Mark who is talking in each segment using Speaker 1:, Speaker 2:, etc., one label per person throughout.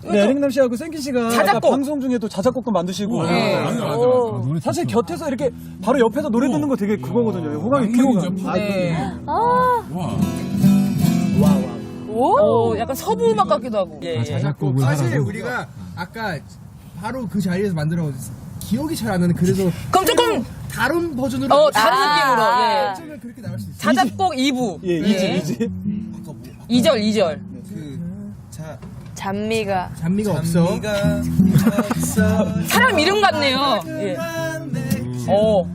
Speaker 1: 네, 에릭남 씨하고 생기 씨가
Speaker 2: 자작곡.
Speaker 1: 아까 방송 중에 또 자작곡도 만드시고.
Speaker 2: 네.
Speaker 3: 맞아. 노래
Speaker 1: 사실
Speaker 3: 좋죠.
Speaker 1: 곁에서 이렇게 바로 옆에서 노래 듣는 거 되게 그거거든요. 호감이 피로가.
Speaker 2: 네.
Speaker 3: 와.
Speaker 2: 약간 서부 음악 같기도 하고. 예, 예.
Speaker 3: 자작곡을
Speaker 4: 사실
Speaker 3: 하라고.
Speaker 4: 우리가 아까 바로 그 자리에서 만들어 기억이 잘 안 나는 그래서
Speaker 2: 그럼 조금
Speaker 4: 다른 버전으로
Speaker 2: 다른 느낌으로. 예.
Speaker 4: 어쩌면 그렇게 나올 수 있어.
Speaker 2: 자작곡 2부.
Speaker 1: 예, 이지.
Speaker 2: 2절.
Speaker 5: 잔미가
Speaker 4: 없어.
Speaker 2: 사람 이름 같네요. 예. 오.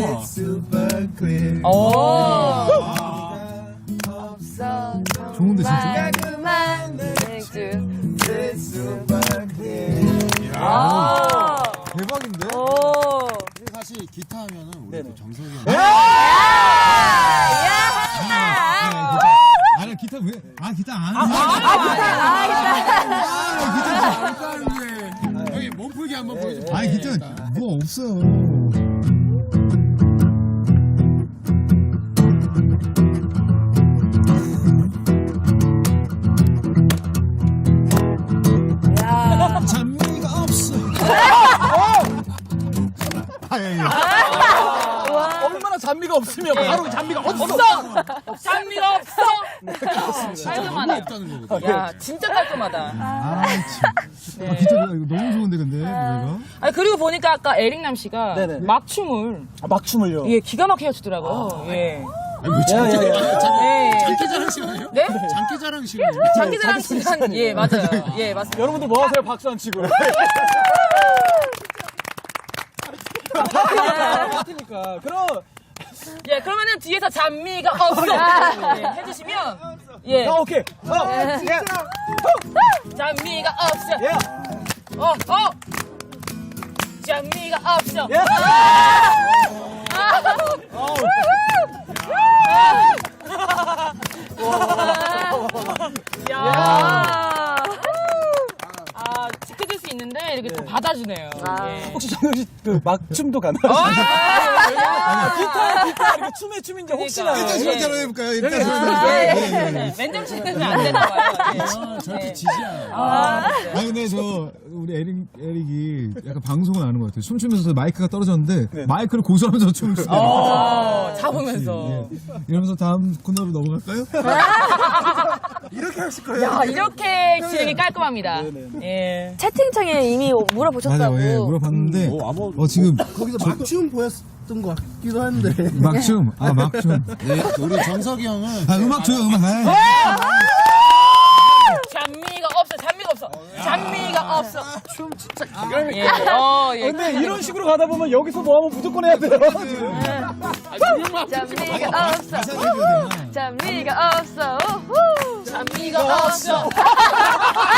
Speaker 5: 없어
Speaker 3: 좋은데 진짜.
Speaker 5: 그만 맥주
Speaker 3: 대박인데?
Speaker 6: 사실 기타 하면은 우리
Speaker 1: 네네.
Speaker 6: 또 정석이 형.
Speaker 3: 아니 기타 왜? 기타 안.
Speaker 6: 여기 몸풀기 한번 보여줘.
Speaker 3: 아니 기타 뭐 없어요. 잔미가 없어.
Speaker 1: 얼마나 잔미가 없으면 바로 잔미가 없어.
Speaker 2: 잔미가 없어. 깔끔하네요.
Speaker 6: 없다는 거거든.
Speaker 2: 야, 진짜 깔끔하다.
Speaker 3: 기타 이거 너무 좋은데 근데 노래가.
Speaker 2: 아니, 그리고 보니까 아까 에릭남 씨가
Speaker 1: 네네.
Speaker 2: 막춤을
Speaker 1: 막춤을요.
Speaker 2: 예, 기가 막히게 추더라고요. 예.
Speaker 6: 장기 자랑 시간이에요?
Speaker 2: 네?
Speaker 6: 장기 자랑 시간이에요?
Speaker 2: 장기자랑 시간. 예, 맞아요. 예, 맞습니다.
Speaker 1: 여러분들 뭐 하세요? 박수 안 치고. 파티니까. 그럼
Speaker 2: 예, 그러면은 뒤에서 잔미가 없어. 예, 해주시면 예,
Speaker 1: 오케이.
Speaker 2: 잔미가 없어.
Speaker 1: 예.
Speaker 2: 잔미가 없어.
Speaker 1: 예.
Speaker 2: 야. 지켜줄 수 있는데 이렇게 또 받아주네요. 예.
Speaker 1: 혹시 정영 씨그 막춤도 가나요? 기타 이렇게 춤의 춤인지 혹시나.
Speaker 2: 그러니까.
Speaker 3: 일단 소개로 해볼까요? 일단
Speaker 2: 네, 맨정 씨는 안 되나 봐요.
Speaker 6: 저렇게 지지야.
Speaker 3: 아니 근데 저 우리 에릭이 약간 방송을 아는 것 같아요. 춤추면서 마이크가 떨어졌는데 마이크를 고수하면서 춤을 추더라고요.
Speaker 2: 잡으면서.
Speaker 3: 이러면서 다음 코너로 넘어갈까요?
Speaker 1: 이렇게 하실 거예요?
Speaker 2: 야, 이렇게 진행이 깔끔합니다. 예.
Speaker 5: 채팅창에 이미 물어보셨다고.
Speaker 3: 맞아요. 예, 물어봤는데 지금
Speaker 4: 거기서 막춤 보였던 것 같기도 한데.
Speaker 3: 막춤. 막춤.
Speaker 6: 네, 우리 정석이 형은
Speaker 3: 음악 줘요, 음악.
Speaker 2: 잔미가 없어. 잔미가 없어.
Speaker 1: 춤 진짜 기가 막히게.
Speaker 2: 예. 예.
Speaker 1: 근데 이런 식으로 가다 보면 여기서 뭐 하면 무조건 해야 돼요.
Speaker 5: 잔미가 없어. 잔미가 없어. 우후.
Speaker 2: 잔미가 없어.